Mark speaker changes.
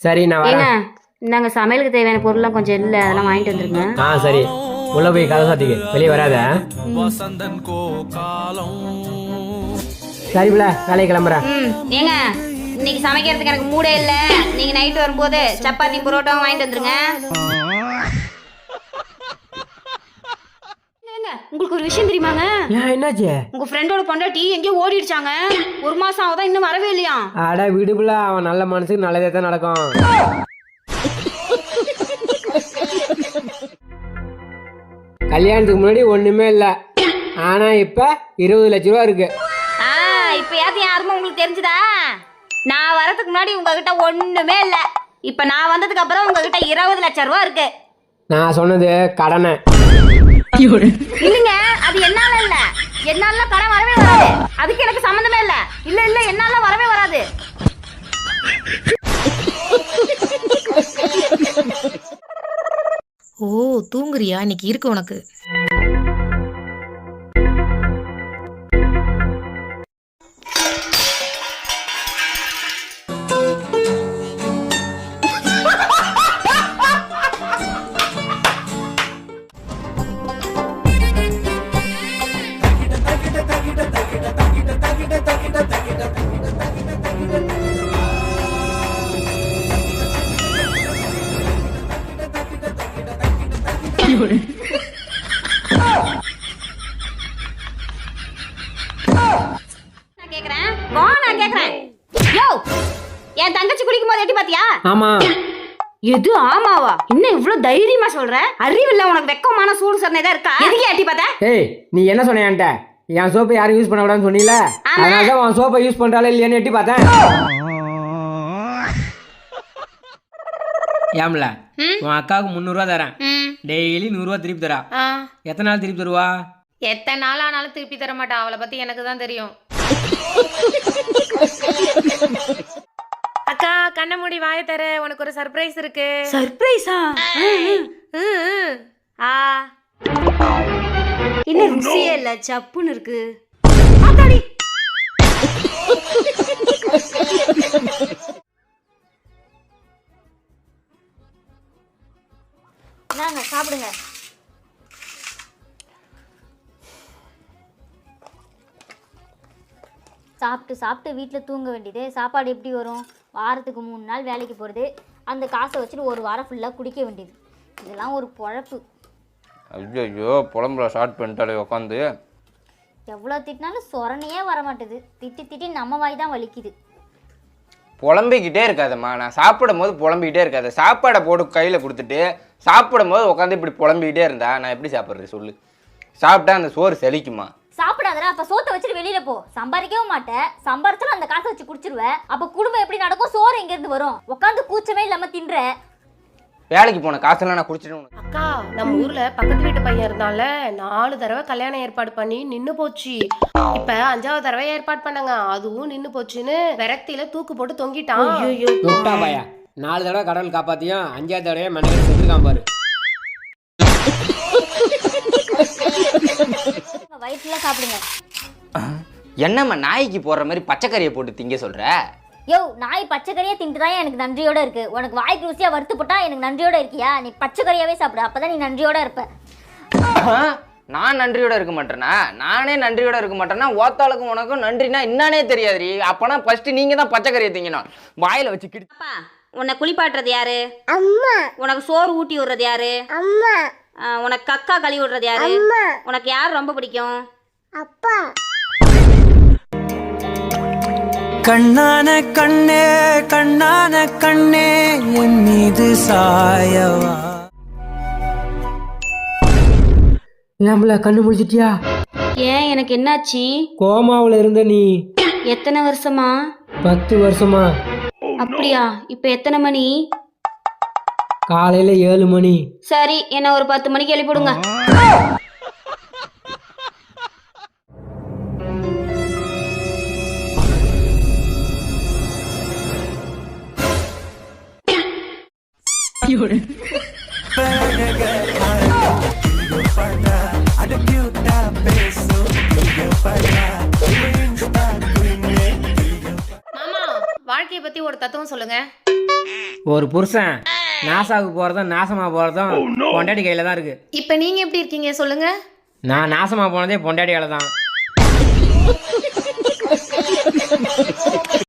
Speaker 1: சரி நான்
Speaker 2: ஏங்க
Speaker 1: வரேன்.
Speaker 2: நாங்க சமையலுக்கு தேவையான பொருள்லாம் கொஞ்சம் இல்லை, அதெல்லாம் வாங்கிட்டு வந்துருங்க.
Speaker 1: சரி உள்ள போய் கதை சாத்திக்கு வெளியே வராத. சரி பிள்ள வேலைக்கு கிளம்புறேன்.
Speaker 2: ஏங்க இன்னைக்கு சமைக்கிறதுக்கு எனக்கு மூடே இல்லை, நீங்க நைட் வரும்போது சப்பாத்தி புரோட்டாவும் வாங்கிட்டு வந்துருங்க. உங்களுக்கு ஒரு விஷயம் தெரியுமாங்க?
Speaker 1: ஏன் என்னாச்சு?
Speaker 2: உங்க ஃப்ரெண்டோட பொண்டாட்டி எங்கேயோ ஓடிடுச்சாங்க. 1 மாசம் ஆகுதா, இன்னும் வரவே இல்லையா?
Speaker 1: அட விடுப்புல, அவன் நல்ல மனசுக்கு நல்லதே தான் நடக்கும். கல்யாணத்துக்கு முன்னாடி ஒண்ணுமே இல்ல, ஆனா இப்ப 20 லட்ச ரூபா இருக்கு.
Speaker 2: இப்ப யாத்தையும் யாருமே உங்களுக்கு தெரிஞ்சுதா? நான் வரதுக்கு முன்னாடி உங்ககிட்ட ஒண்ணுமே இல்ல, இப்ப நான் வந்ததுக்கு அப்புறம் உங்ககிட்ட 20 லட்சம் ரூபா இருக்கு.
Speaker 1: நான் சொன்னது கடனை.
Speaker 2: இல்லைங்க, அது என்னால இல்ல, என்னால கடன் வரவே வராது, அதுக்கு எனக்கு சம்மந்தமே இல்ல. இல்ல இல்ல என்னால வரவே வராது.
Speaker 3: ஓ தூங்குறியா? இன்னைக்கு இருக்கு உனக்கு.
Speaker 2: நான் கேக்குறேன் யோ, என் தங்கச்சி குளிக்கும் போது எட்டி பாத்தியா?
Speaker 1: ஆமா.
Speaker 2: எது ஆமாவா? இன்னும் இவ்வளவு தைரியமா சொல்ற? அறிவில்ல உனக்கு? வெக்கமான சூடு சொன்னதா இருக்கா? எதுக்கு எட்டி பார்த்த?
Speaker 1: ஏய் நீ என்ன சொன்ன என்கிட்ட? என் சோப்பை யாரும் யூஸ் பண்ண கூடாதுன்னு சொன்னீல, அதனால உன் சோப்பை யூஸ் பண்றாலே இல்லையான்னு எட்டி பார்த்தேன். ஏம்ல உன் அக்காவுக்கு 300 ரூபா தரேன், டெய்லி 100 ரூபா திருப்பி தரா. எத்தனை நாள் திருப்பி தருவா?
Speaker 3: எத்தனை நாள் ஆனாலும் திருப்பி தர மாட்டா, அவளை பத்தி எனக்கு தான் தெரியும். அக்கா கண்ண மூடி வாய தர, உனக்கு ஒரு சர்ப்ரைஸ் இருக்கு.
Speaker 2: சர்ப்ரைஸா? இன்னும் ருசியே இல்ல, சப்புன்னு இருக்கு. நாங்க சாப்பிடுங்க.
Speaker 4: சாப்பிட்டு சாப்பிட்டு வீட்டில் தூங்க வேண்டியது. சாப்பாடு எப்படி வரும்? வாரத்துக்கு 3 நாள் வேலைக்கு போகிறது, அந்த காசை வச்சுட்டு ஒரு வாரம் ஃபுல்லாக குடிக்க வேண்டியது. இதெல்லாம் ஒரு பொழப்பு.
Speaker 5: ஐயோ புலம்புல ஷார்ட் பண்ணிட்டாலே உட்காந்து.
Speaker 4: எவ்வளோ திட்டினாலும் சொரணையே வரமாட்டுது. திட்டி திட்டி நம்ம வாய் தான் வலிக்குது.
Speaker 5: புலம்பிக்கிட்டே இருக்காதம்மா, நான் சாப்பிடும் போது புலம்பிக்கிட்டே இருக்காது. சாப்பாடை போட்டு கையில் கொடுத்துட்டு சாப்பிடும் போது உட்காந்து இப்படி புலம்பிக்கிட்டே இருந்தா நான் எப்படி சாப்பிட்றது சொல்லு? சாப்பிட்டா அந்த சோறு செழிக்குமா?
Speaker 4: சாப்பிடாதடா, அப்போ சோத்தை வச்சுட்டு வெளியில போ. சம்பாதிக்கவும் மாட்டேன், சம்பாரிச்சாலும் அந்த காசை வச்சு குடிச்சிருவேன். அப்போ குடும்பம் எப்படி நடக்கும்? சோறு எங்கேருந்து வரும்? உட்காந்து கூச்சமே இல்லாமல் தின்ற.
Speaker 5: வேலைக்கு போன காசெல்லாம் நான் குடிச்சிட்டு.
Speaker 3: அக்கா நம்ம ஊர்ல பக்கத்து வீட்டு பையன் இருந்தால 4 தடவை கல்யாணம் ஏற்பாடு பண்ணி நின்னு போச்சு. இப்ப 5ஆவது தடவை ஏற்பாடு பண்ணாங்க, அதுவும் நின்னு போச்சுன்னு விரக்தியில தூக்கு போட்டு தொங்கிட்டான்.
Speaker 1: முட்டா பையா, 4 தடவை கடவுள் காப்பாத்தியும் 5ஆவது தடவை மண்டையில செத்துருக்கான் பாரு.
Speaker 4: வயிற்றுல சாப்பிடுங்க.
Speaker 5: என்னம்மா நாய்க்கு போடுற மாதிரி பச்சைக்கறியை போட்டு திங்க சொல்ற?
Speaker 4: யோ, நாய் பச்சைக்கறியா தின்ட்டுதான் எனக்கு நன்றியோட இருக்கு. உனக்கு வாய்க்கு ருசியா வறுத்து போட்டா எனக்கு நன்றியோட இருக்கியா? நீ பச்சைக்கறியாவே சாப்பிடு, அப்பதான் நீ நன்றியோட இருப்ப.
Speaker 5: நான் நன்றியோட இருக்க மாட்டேனா? நானே நன்றியோட இருக்க மாட்டேன்னா ஓத்தாளுக்கும் உனக்கும் நன்றினா என்னன்னே தெரியாதுரி. அப்பனா ஃபர்ஸ்ட் நீங்க தான் பச்சைக்கறியை திங்கணும். வாயில வச்சு கிடி.
Speaker 2: அப்பா உன்னை குளிப்பாட்டுறது யாரு?
Speaker 4: அம்மா.
Speaker 2: உனக்கு சோறு ஊட்டி விடுறது யாரு?
Speaker 4: அம்மா.
Speaker 2: உனக்கு கக்கா கழுவி விடுறது யாரு? உனக்கு யார் ரொம்ப பிடிக்கும்?
Speaker 4: அப்பா.
Speaker 6: கண்ணான கண்ணே கண்ணான கண்ணே என் மீது சாயவா.
Speaker 1: ஏம்ல கண்ணு முடிச்சிட்டியா?
Speaker 2: ஏன் எனக்கு என்னாச்சு?
Speaker 1: கோமாவுல இருந்த நீ
Speaker 2: எத்தனை வருஷமா?
Speaker 1: 10 வருஷமா.
Speaker 2: அப்படியா? இப்ப எத்தனை மணி?
Speaker 1: காலையில 7 மணி.
Speaker 2: சரி, என்ன ஒரு 10 மணிக்கு எழுப்பிடுங்க.
Speaker 3: மாமா வாழ்க்கையை பத்தி ஒரு தத்துவம் சொல்லுங்க.
Speaker 1: ஒரு புருஷன் நாசாவுக்கு போகிறதும் நாசமாக போகிறதும் பொண்டாட்டி கையில் தான் இருக்குது.
Speaker 3: இப்போ நீங்க எப்படி இருக்கீங்க சொல்லுங்க?
Speaker 1: நான் நாசமாக போனதே பொண்டாட்டி கையில் தான்.